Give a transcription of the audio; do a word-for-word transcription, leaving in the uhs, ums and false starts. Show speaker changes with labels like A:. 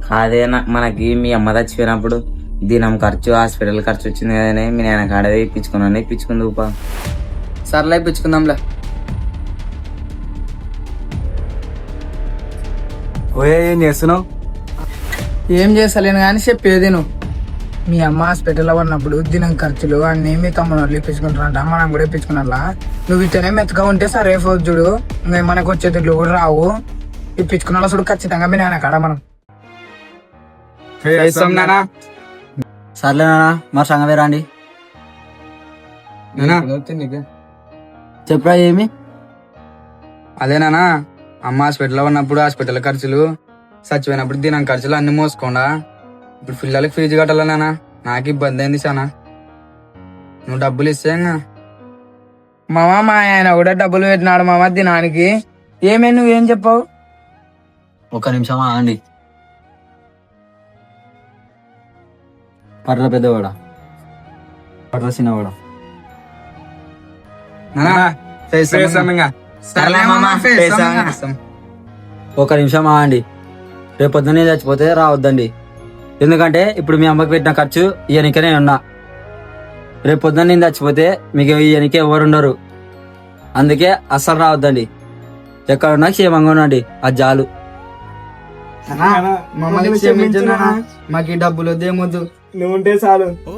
A: కాదే నా- మనకి మీ అమ్మ చచ్చిపోయినప్పుడు దినం ఖర్చు హాస్పిటల్ ఖర్చు వచ్చింది కదనే మీ నాయన కాడదే ఇప్పించుకున్నాను ఇప్పించుకుంది ఊపా.
B: సర్లే ఇప్పించుకుందాంలే.
C: ఓయే ఏం చేస్తున్నావు?
B: ఏం చేస్తలేను కానీ చెప్పేది నువ్వు. మీ అమ్మ హాస్పిటల్లో ఉన్నప్పుడు దినం ఖర్చులు అన్ని మీ తమ్ముడు వాళ్ళు ఇప్పించుకుంటారంట, మనం కూడా ఇప్పించుకున్నట్లా. నువ్వు ఇట్టనే మెత్తగా ఉంటే సరే పోదు చూడు, ఇంకా మనకు వచ్చే తిట్లు కూడా రావు. ఇప్పించుకున్న చూడు ఖచ్చితంగా మీ నాయన కాడ మనం
C: చేస్తాం నానా.
D: సర్లే నాన్న మరి సంగమే రాండి. చెప్పురా ఏమి?
B: అదేనా అమ్మ హాస్పిటల్లో ఉన్నప్పుడు హాస్పిటల్ ఖర్చులు, చచ్చిపోయినప్పుడు దినం ఖర్చులు అన్ని మోసుకోండా. ఇప్పుడు పిల్లలకి ఫీజు కట్టాలా నాన్న, నాకు ఇబ్బంది అయింది చాలా. నువ్వు డబ్బులు ఇస్తే మామ మా ఆయన కూడా డబ్బులు పెట్టినాడు మామ దినానికి. ఏమే నువ్వేం చెప్పావు?
D: ఒక్క నిమిషం ఆగండి. పర్ల పెద్దవాడా, పర్ల చిన్నవాడా. ఒక నిమిషం ఆగండి. రేపు పొద్దున్నే చచ్చిపోతే రావద్దండి. ఎందుకంటే ఇప్పుడు మీ అమ్మకి పెట్టిన ఖర్చు ఇయనికనే ఉన్నా. రేపు పొద్దున్న నేను చచ్చిపోతే మీకు ఇయనికే ఎవరు ఉండరు. అందుకే అస్సలు రావద్దండి. ఎక్కడున్నా క్షేమంగా ఉండండి, అది చాలు.
B: మమ్మల్ని క్షమించు నాన్న, మాకు ఈ డబ్బులు వద్దేమొద్దు.
C: నువ్వు ఉంటే చాలు.